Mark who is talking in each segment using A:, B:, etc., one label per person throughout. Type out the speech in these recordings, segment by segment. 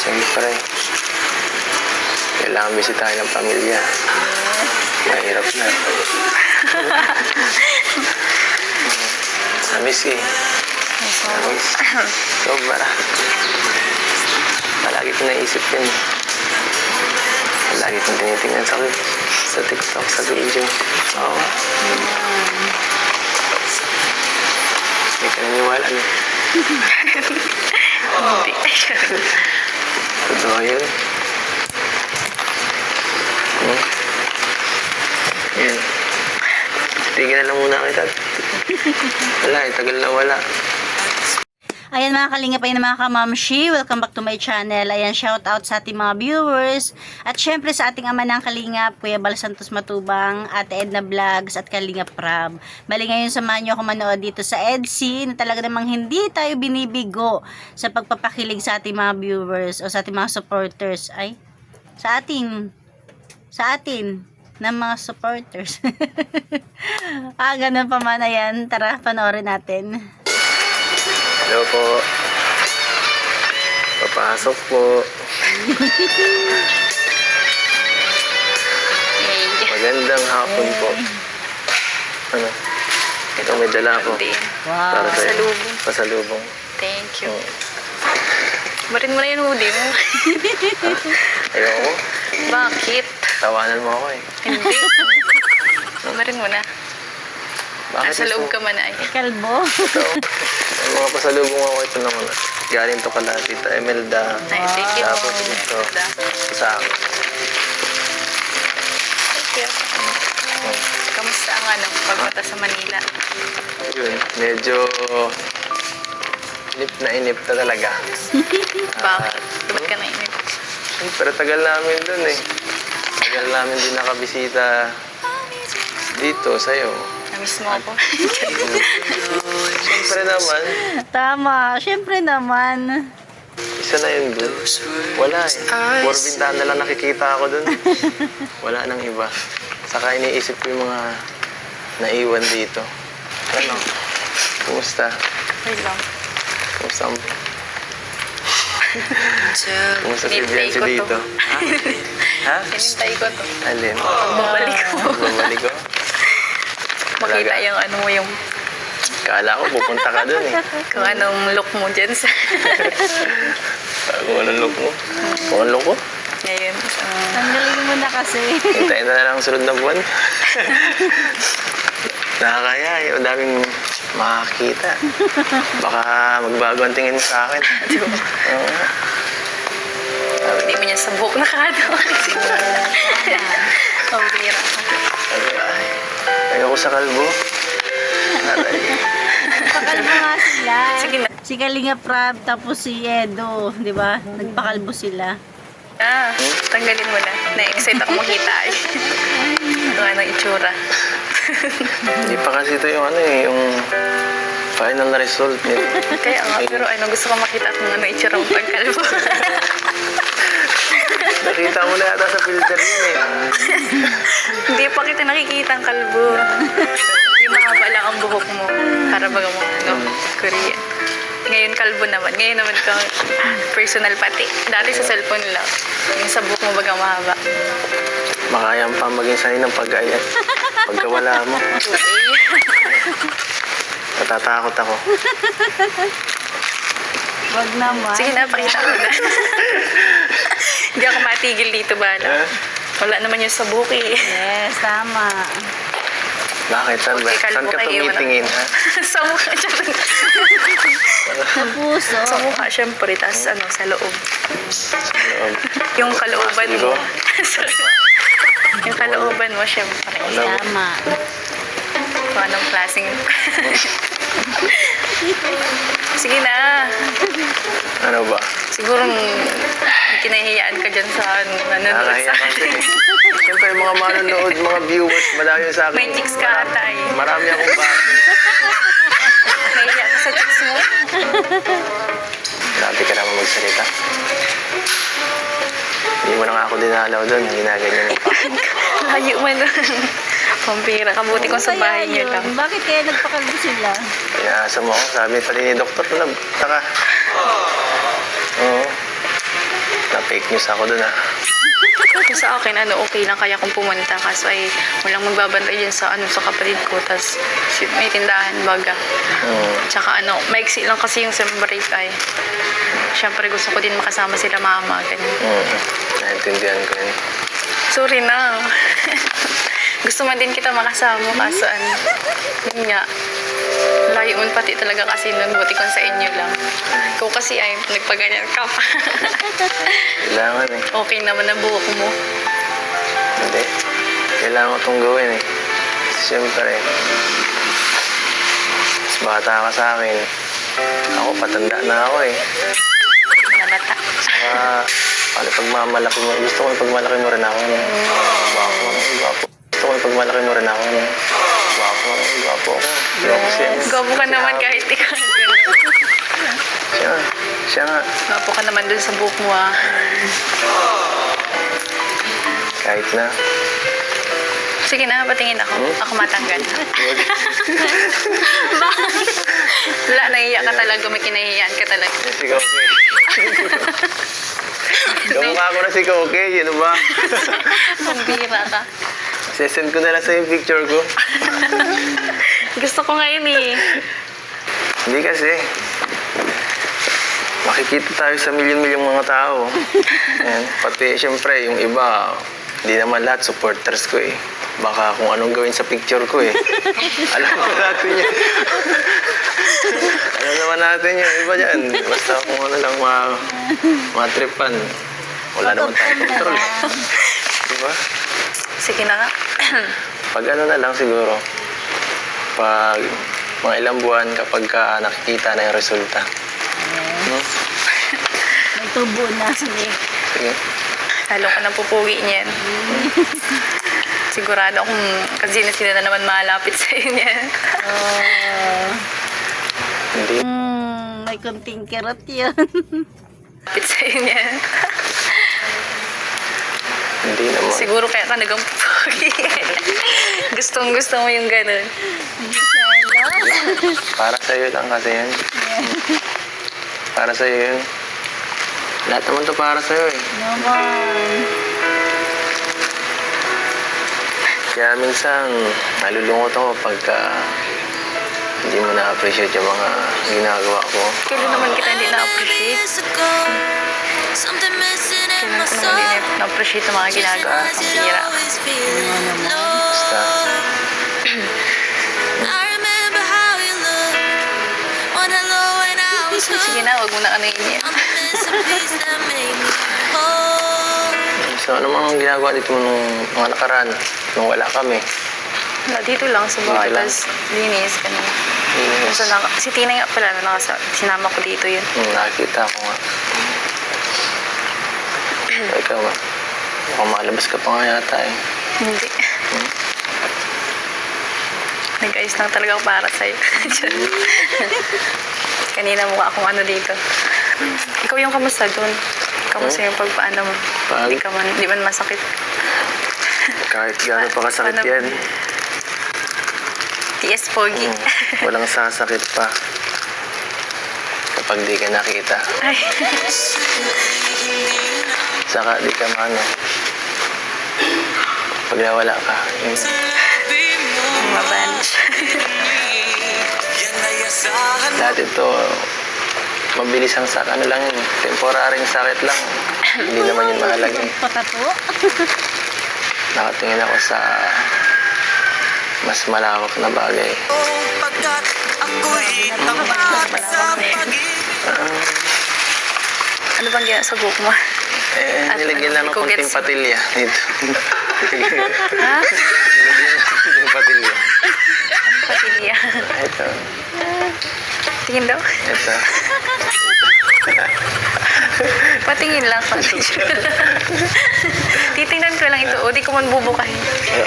A: Siyempre, kailangan bisitahin ng pamilya. Mahirap na. Namiss eh. Namiss. Sobra. Palagi ko naisip yun. Palagi kong tinitingnan sa TikTok, sa video. Oo. Hindi ka naniwala no?
B: Hindi.
A: Totoo yun. Yan. Tigil na lang muna kita. Wala eh, tagal na wala.
B: Ayan mga kalingap, ayan mga kamamshi, welcome back to my channel. Ayan, shout out sa ating mga viewers. At syempre sa ating ama ng kalingap, Kuya Bal Santos Matubang, Ate Edna Vlogs at Kalingap Prab. Bali ngayon samahan nyo ako manood dito sa EDC na talaga namang hindi tayo binibigo sa pagpapakilig sa ating mga viewers o sa ating mga supporters. Ay, sa atin ng mga supporters. Ganun pa man. Ayan, tara panoorin natin.
A: Hello po. Papasok po. Magandang hapon po. Ano? Ito may dala ko.
B: Wow.
A: Para sa'yo.
C: Pasalubong.
A: Pasalubong.
C: Thank you.
A: Oh.
C: Barin mo na yung hoodie mo.
A: Ayoko.
C: Bakit?
A: Tawanan mo ako eh.
C: Hindi. Barin mo na.
A: Bakit
C: Nasa loob ka man ay.
B: Kalbo.
A: Ito. May mga pasalubong ako ito naman. Galing to kala Tita Emelda.
C: Ay, thank you.
A: Tapos ito. Sa akin.
C: Thank you. Kamusta ang pagpunta sa Manila?
A: Yun. Medyo inip na talaga.
C: Bakit? Ba't ka nainip?
A: Pero tagal namin dun eh. Tagal namin din nakabisita dito sa'yo.
C: Namiss mo ako.
A: Siyempre naman,
B: Tama, syempre naman.
A: isa na yun dun. Wala eh. Puro bintana lang nakikita ako dun. Wala nang iba. Saka iniisip ko yung mga naiwan dito. Ano? Kumusta?
C: Wait lang.
A: Kumusta ang... Kumusta si
C: Hinintay
A: Biancy
C: ko to.
A: dito? Ha?
C: Hinintay ko to.
A: Alin?
C: Babalik ko.
A: Babalik ko?
C: Makita
A: Talaga?
C: yung mo yung
A: Kala ko pupunta ka dun eh.
C: kung anong look mo dyan sa
A: Kung anong look mo? Kung anong look ko?
C: ngayon.
B: Tanggalin mo na kasi.
A: Hintayin na lang sunod na buwan. Nakakaya eh. O daming makakita. Baka magbago ang tingin mo sa akin. Oo.
C: Hindi mo niya sa buhok nakakatawa. Pambira ka.
A: Sabi, ay, ayoko sa kalbo. Aray.
B: Pakalbo nga sila.
C: Sige na.
B: Si Kalingap Prab tapos si Edo, di ba? Nagpakalbo sila.
C: Tanggalin mo na. Na-excite ako makita eh. Ito nga ng itsura.
A: Hindi pa kasi ito yung yung final na result nito.
C: Kaya nga, pero gusto ko makita kung ano itsura mo pagkalbo.
A: Nakita mo na yata sa filter yun eh.
C: Hindi pa kita nakikita ang kalbo. Yung mahaba lang ang buhok mo. Para baga mo, Korean. Ngayon kalbo naman. Ngayon naman kang personal pati. Dati sa cellphone lang. Yung sa buhok mo baga mahaba.
A: Makayang pa maging sanay ng pag-ayat. Pagkawala mo. Natatakot ako.
B: Wag naman.
C: Sige na, pakita ko na. Hindi ako matigil dito bala. Wala naman yung sa buhok eh.
B: Yes, tama.
A: Bakit? Saan ba?
C: Okay, kalbo
A: Saan ka
C: kayo,
A: tumitingin ha?
C: Sa mukha, syempre.
B: Sa puso.
C: Sa mukha, syempre. Tapos sa loob.
A: Loob.
C: Yung kalooban mo.
A: Ligo?
C: Yung kalooban mo, syempre.
A: Alam mo.
B: Tama.
C: Kung anong klaseng... Sige na.
A: Ano ba?
C: Siguro kinahihiyaan ka dyan sa nanonood
A: Nakakahiya
C: sa
A: kasi. Siyempre, mga manonood, mga viewers, madami sa akin.
C: May chicks ka ata eh.
A: Marami akong bakit.
C: Nahihiya ka sa chicks mo.
A: Grabe ka naman magsalita. Hindi mo na nga ako dinalaw doon. Ginaganyan mo pa.
C: Layo mo na. Pampira. Kabuti kong sa bahay niyo lang.
B: Bakit kaya nagpakalbo sila?
A: Kaya asa mo ako, sabi pa ni doktor na taka. Oo. fake news ako dun,
C: Kung sa akin, okay lang kaya kung pumunta. Kaso ay walang magbabantay dyan sa, sa kapatid ko. Tapos may tindahan, baga. Tsaka maiksi lang kasi yung sem break ay. Siyempre gusto ko din makasama sila mama. Ganyan.
A: Naintindihan ko yun.
C: Sorry na. Gusto man din kita makasama. Kaso yun nga. Layo man pati talaga kasi nun. Buti ko sa inyo lang. Ikaw kasi ay nagpaganyan ka pa.
A: Kailangan eh.
C: Okay naman ang buhok mo.
A: Hindi. Kailangan ko itong gawin eh. Siyempre, mas bata ka sa akin. Ako, patanda na ako eh.
C: Nabata.
A: Saka, paano pagmamalaki mo? Gusto ko yung pagmalaki mo rin ako. Gwapo. Gusto ko yung pagmalaki mo rin ako. Gwapo ako. Gwapo siya.
C: Gwapo ka naman kahit ikaw.
A: Siya nga.
C: Gwapo ka naman dun sa buhok mo
A: Kahit na.
C: Sige na, patingin ako. Ako matanggal. Wala, nahiya ka talaga. May kinahiyaan ka talaga.
A: Si Koke. Kamukha ko na si Koke. Yun ba?
C: Pambira ka.
A: Sesend ko na lang sa yung picture ko.
C: Gusto ko ngayon eh.
A: Hindi kasi. Makikita tayo sa milyon-milyong mga tao. Ayan. Pati, syempre, yung iba, hindi naman lahat supporters ko eh. Baka kung anong gawin sa picture ko eh. Alam naman natin yun. Alam naman natin yung iba dyan. Basta kung ano lang matripan. Wala naman tayong control. Diba?
C: Sige na nga.
A: Pag ano na lang siguro, pag mga ilang buwan kapag nakikita na yung resulta. No?
B: May tubo na.
A: Sige.
C: Lalo ka ng pupugi niyan. Sigurado akong kasi na sila na naman malapit sa inyo.
A: Hindi.
B: May kunting kirot yun.
C: Lapit sa inyo.
A: Hindi naman.
C: Siguro kaya ka nagang pupugi. Gusto mo yung ganun.
A: Para sa'yo lang kasi yan. Para sa'yo yun. Lahat naman to para sa'yo eh.
B: Naman.
A: Kaya minsan, nalulungkot ako pagka hindi mo na-appreciate yung mga ginagawa ko.
C: Kailan naman kita hindi na-appreciate? Kailan ko naman hindi na-appreciate yung mga ginagawa. Ang pira.
A: Basta,
C: Sige na, wag mo na ano yun.
A: so ano mga ginagawa dito nung mga nakaraan, nung wala kami.
C: Dito lang sa bahay.
A: Dito lang.
C: Tapos linis kanina.
A: Yes.
C: Si Tina nga pala, sinama ko dito yun.
A: Nakita ko nga. Ikaw nga. Mukhang malabas ka pa nga yata eh.
C: Hindi. Nag-ayos lang talaga ako para sa'yo. Kanina mukha akong ano dito. Ikaw yung kamusta doon? Kamusta yung pagpaano mo?
A: Pag-
C: Di man masakit.
A: Kahit gano'n pa kasakit
C: Paano-
A: yan.
C: TS Pogi.
A: Walang sasakit pa. Kapag di ka nakita.
C: Ay.
A: Saka di ka mano. Pag nawala ka, yun.
C: Mabanch.
A: Lahat ito, mabilis ang sakit. Ano lang yun, temporaryong sakit lang. Hindi naman yun mahalaga.
B: Patato.
A: Nakatingin ako sa mas malawak na bagay.
C: Ano bang gina sa buhok mo?
A: Nilagyan lang ng
C: Ikaw
A: konting
C: gets.
A: patilya dito.
C: Ha?
A: Nilagyan ng konting patilya.
C: Patilya.
A: Ito.
C: Tingin daw.
A: Ito.
C: Patingin lang. Titingnan ko lang ito. O, di ko man bubukahin.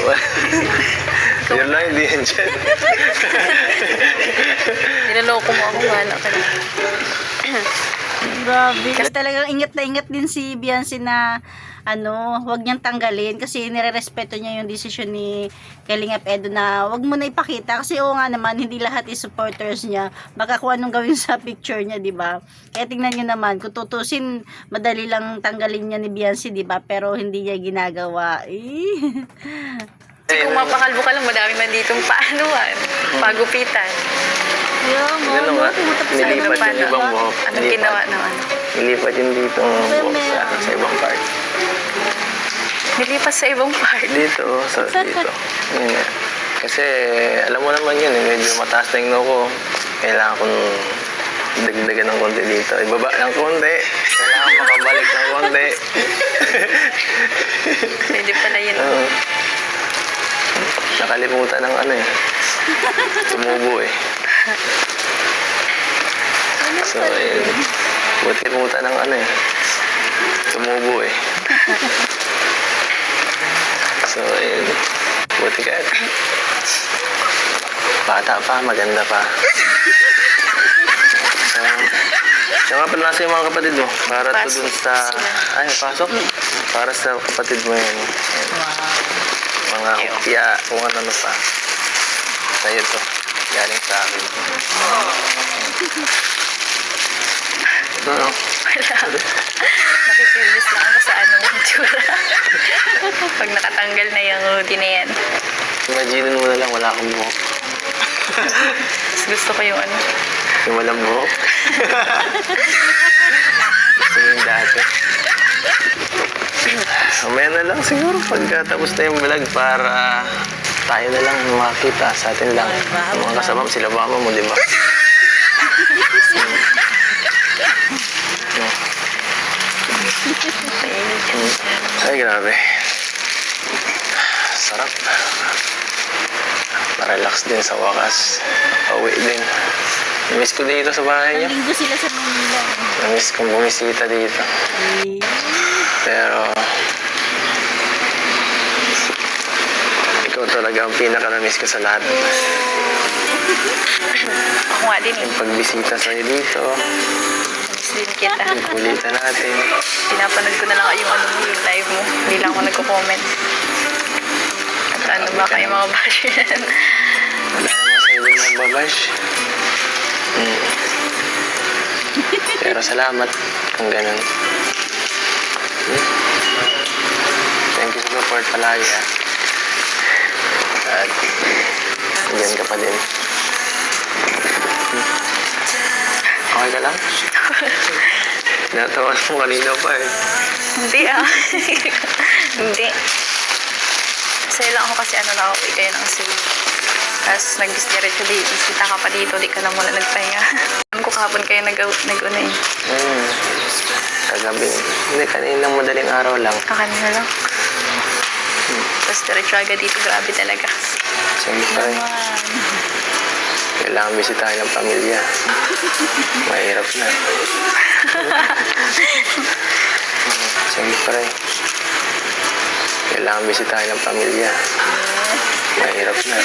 A: Yun lang, hindi yan dyan.
C: Nilaloko mo ako. Wala ka na.
B: Grabe. Kasi talagang ingat na ingat din si Beyonce na wag niyang tanggalin kasi nire-respeto niya yung desisyon ni Kalingap Edo na wag mo na ipakita kasi oo nga naman hindi lahat is supporters niya. Baka kung anong gawin sa picture niya, 'di ba? Kaya tingnan niyo naman, kung tutusin, madali lang tanggalin niya ni Beyonce, 'di ba? Pero hindi niya ginagawa.
C: Kasi kung mapakalbo ka lang, madami man ditong paanuan, pagupitan.
B: Yung
A: Ganun nga. Nilipat
C: Paano?
A: yung ibang buhok.
C: Anong ginawa naman?
A: Nilipat yung dito buhok sa ibang part.
C: Nilipas sa ibang part.
A: Dito, dito. Yun nga. Kasi alam mo naman yun, medyo mataas na yung noo ko. Kailangan kong dagdagan ng konti dito. Ibaba ng konti. Kailangan makabalik ng konti.
C: Pwede pala yun.
A: Oo. Nakalimutan ng tumubo eh. So, ayun. Buti limutan ng tumubo eh. So, ayun. Buti ka. Bata pa, maganda pa. So nga pala nasa yung mga kapatid mo. Para to dun sa... Ay, pasok. Para sa kapatid mo yan. Mga kopya, kung ano pa. Sa'yo to. Galing sa akin. Ito, no?
C: Wala. Nakikibis lang ako sa yung tsura. Pag nakatanggal na yung hoodie na yan.
A: Imagine mo na lang, wala akong buhok.
C: Mas gusto ko yung
A: Yung walang buhok. Gusto yung dati. Mamaya na lang siguro pagkatapos na yung vlog para tayo na lang makita sa atin lang. Mga kasama mo, sila mama mo, di ba? Ay, grabe. Sarap. Ma-relax din sa wakas. Pauwi din. Namiss ko dito sa bahay niyo.
B: Linggo sila sa Manila.
A: Namiss kong bumisita dito. Pero ikaw talaga ang pinaka-namiss ko sa lahat.
C: Ako nga din
A: Yung pagbisita sa'yo dito,
C: Miss din kita.
A: yung kulitan natin.
C: Pinapanood ko na lang yung yung live mo. Hindi lang ako nagko-comment. At ano ba kayo mga bash yan?
A: Wala naman sa'yo din ng babash. Pero salamat kung ganun. Thank you sa support palagi At andyan ka pa din. Okay ka lang? Natawa mo kanina pa eh.
C: Hindi Hindi. Masaya lang ako kasi nakauwi kayo ng Cebu. Tapos nag-diretso di, isita ka pa dito, di ka na muna nagpahinga. Alam ko kahapon kayo nag-una eh.
A: Kagabi. Hindi, kaninang madaling araw lang.
C: Kanina lang. Tapos diretso agad dito, grabe talaga.
A: Siyempre, kailangan bisitahin ng pamilya. Mahirap na. Siyempre, kailangan bisitahin ng pamilya. Mahirap na.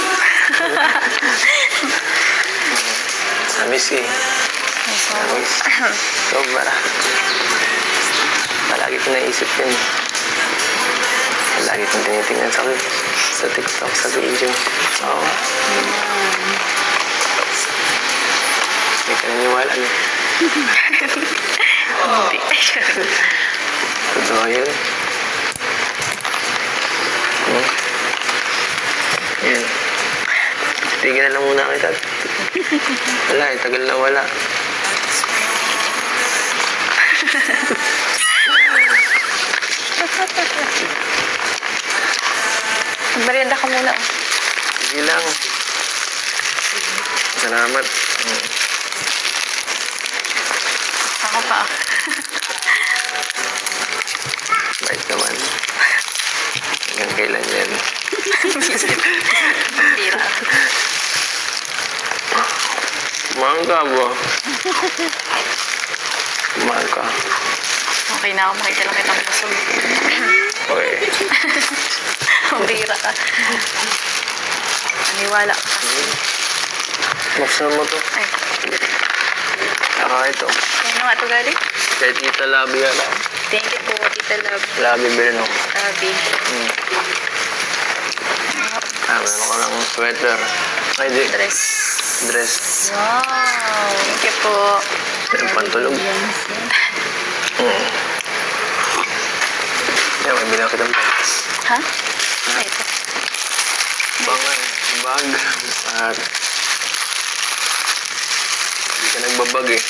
A: Namiss eh. Namiss. Sobra. Palagi ko naisip yun. Palagi kong tinitingnan sa TikTok, sa video. Oo. Hindi ka naniwala niyo.
C: Hindi.
A: Totoo yun. Yan. Tigil na lang muna kita. Wala eh, tagal na wala.
C: Merienda ka muna.
A: Sige lang. Salamat.
C: Ako pa.
A: Bait naman. Hanggang kailan yan.
C: Tira.
A: Kumain ka ba? Kumain ka.
C: Okay na ako, makita lang kitang busog.
A: Okay.
C: Tira ka. Naniwala ka kasi.
A: Buksan mo to.
C: Ay.
A: Saka ito.
C: Kaya nga ito galing.
A: Kay Tita Labi yan.
C: Thank you po, Tita Love.
A: Labi Breno.
C: Sabi.
A: Meron ka ng sweater. Ay, di.
C: Dress.
A: Dress.
C: Wow. Thank you po.
A: Meron pantulog. Yan, may bilang kitang bags.
C: Ha? Ay, ito.
A: Bag. At hindi ka nagbabag eh.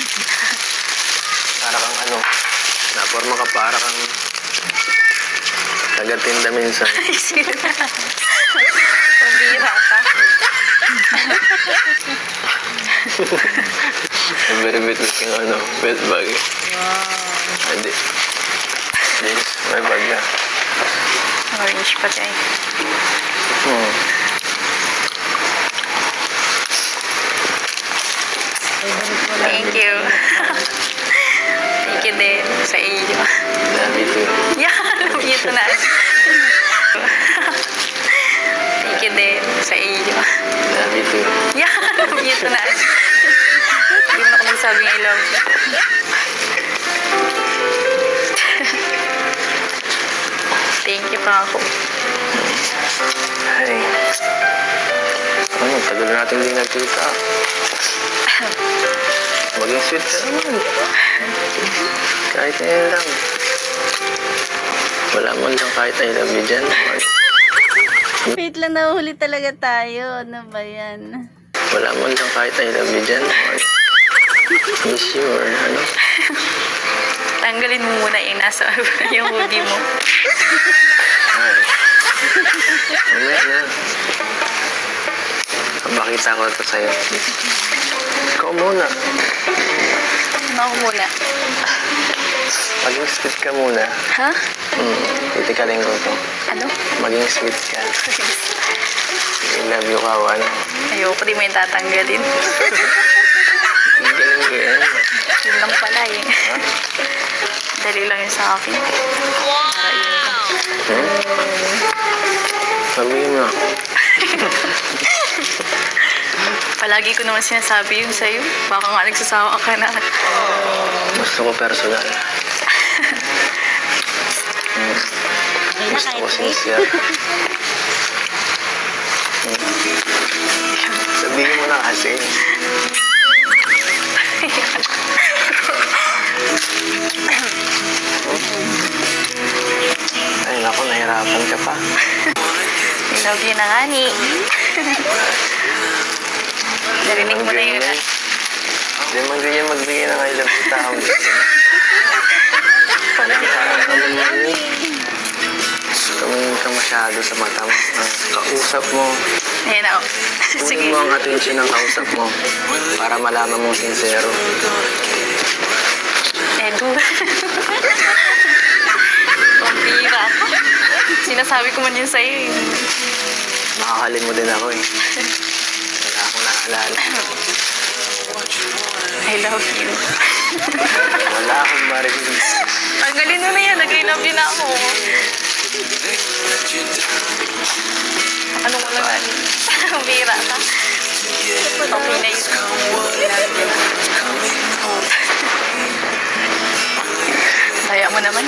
A: Para kang ano, naporma ka para kang tagatinda minsan.
C: Ay, sila. Pambira ka.
A: Very bit looking ano, bed bag eh.
C: Wow.
A: Hindi. This, may bag na.
C: Orange pa tayo. Thank you. Thank you din sa iyo.
A: Love you too.
C: Yeah, love you too na. Thank you din sa iyo.
A: Love you too.
C: Yeah, love you too na. Hindi mo na ako nagsabing I love you. Thank you pa ako.
A: Ay. Ano, tagal natin din nagkita. Maging sweet ka naman. Kahit ngayon lang. Wala mo lang kahit I love you dyan.
B: Wait lang, nahuhuli talaga tayo. Ano ba yan?
A: Wala mo lang kahit I love you dyan. Miss you or ano.
C: Tanggalin mo muna yung nasa yung hoodie mo.
A: Ay. Mamaya na. Bakita ko ito sa'yo. Ikaw muna.
C: Ano ako muna?
A: Maging sweet ka muna.
C: Ha?
A: Titikalin ko to.
C: Ano?
A: Maging sweet ka. I love you ka, ano.
C: Ayoko, di mo yung tatanggalin.
A: Ang galing ko yan.
C: Yun lang pala eh. Dali lang yun sa akin. Para yun.
A: Sabihin mo.
C: Palagi ko naman sinasabi yun sa'yo. Baka nga nagsasawa ka na.
A: Gusto ko personal.
B: Ay,
A: Gusto ko
B: kahit
A: sincere. Sabihin mo na kasi. Ay, naku, nahirapan ka pa.
C: I love you na nga ni. Narinig mo na yun.
A: Hindi man ganyan magbigay ng I love you tao. Tumingin ka masyado sa mata mo. Kausap mo.
C: Ayan ako. Sige.
A: Kunin mo ang attention ng kausap mo para malaman mong sincero.
C: Edu. Pampira ka. Sinasabi ko man yun sa'yo eh.
A: Makakalin mo din ako eh. Wala akong naalala.
C: I love you.
A: Wala akong marinig.
C: Tanggalin mo na yan. Nag-I love you na ako. Ano mo lang ano? Pampira ka. Okay na yun. Kaya mo naman.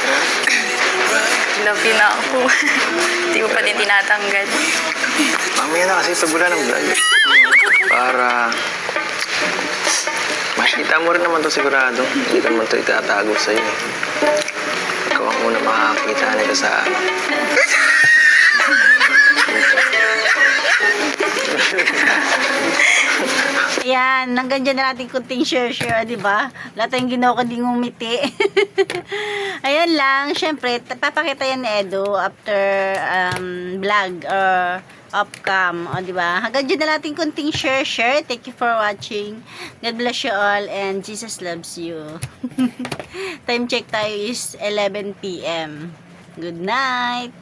C: Love you na ako. Hindi mo pa din tinatanggal.
A: Mamaya na kasi tagula ng vlog. Para makita mo rin naman to sigurado. Hindi ka naman to itatago sa'yo eh. Ikaw ang una makakakita nito sa
B: Ayan, hanggang dyan na natin kunting share, di ba? Wala tayong ginawa kundi ngumiti. Ayan lang, syempre, papakita yan ni Edo after vlog or off-cam, di ba? Hanggang dyan na natin kunting share. Thank you for watching. God bless you all and Jesus loves you. Time check tayo is 11 p.m. Good night!